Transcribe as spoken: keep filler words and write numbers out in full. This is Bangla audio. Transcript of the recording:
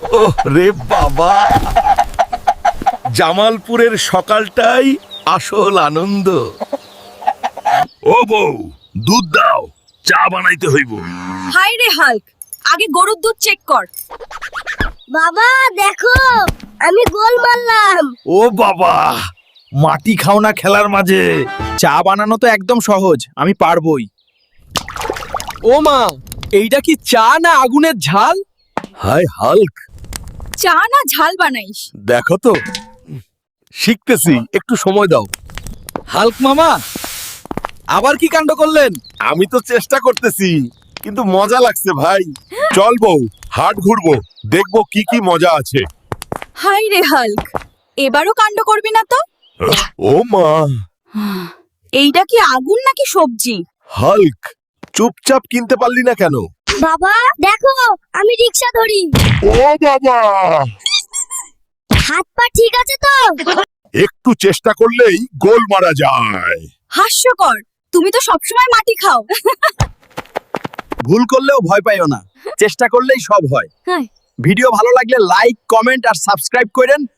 রে বাবা, জামালপুরের সকালটাই আসল আনন্দ। ও বউ, দুধ দাও, চা বানাইতে হইব। হাই রে হাল্ক, আগে গরুর দুধ চেক কর। বাবা দেখো, আমি গোল মারলাম। ও বাবা, মাটি খাও না খেলার মাঝে। চা বানানো তো একদম সহজ, আমি পারবোই। ও মা, এইটা কি চা না আগুনের ঝাল? হাই হাল্ক, চা না ঝাল বানাইস? দেখো তো, শিখতেছি, একটু সময় দাও। হাল্ক মামা, আবার কি কাণ্ড করলেন? আমি তো চেষ্টা করতেছি, কিন্তু মজা লাগছে ভাই। চল বউ, হাট ঘুরবো, দেখবো কি কি মজা আছে। হাই রে হাল্ক, এবারও কাণ্ড করবি না তো? ও মা, এইটা কি আগুন নাকি সবজি? হাল্ক, চুপচাপ কিনতে পারলি না কেন? বাবা দেখো, আমি রিকশা ধরি। ও বাবা, হাত পা ঠিক আছে তো? একটু চেষ্টা করলেই গোল মারা যায়। হাস্যকর, তুমি তো সবসময় মাটি খাও। ভুল করলেও ভয় পাইও না, চেষ্টা করলেই সব হয়। হ্যাঁ। ভিডিও ভালো লাগলে লাইক, কমেন্ট আর সাবস্ক্রাইব করেন।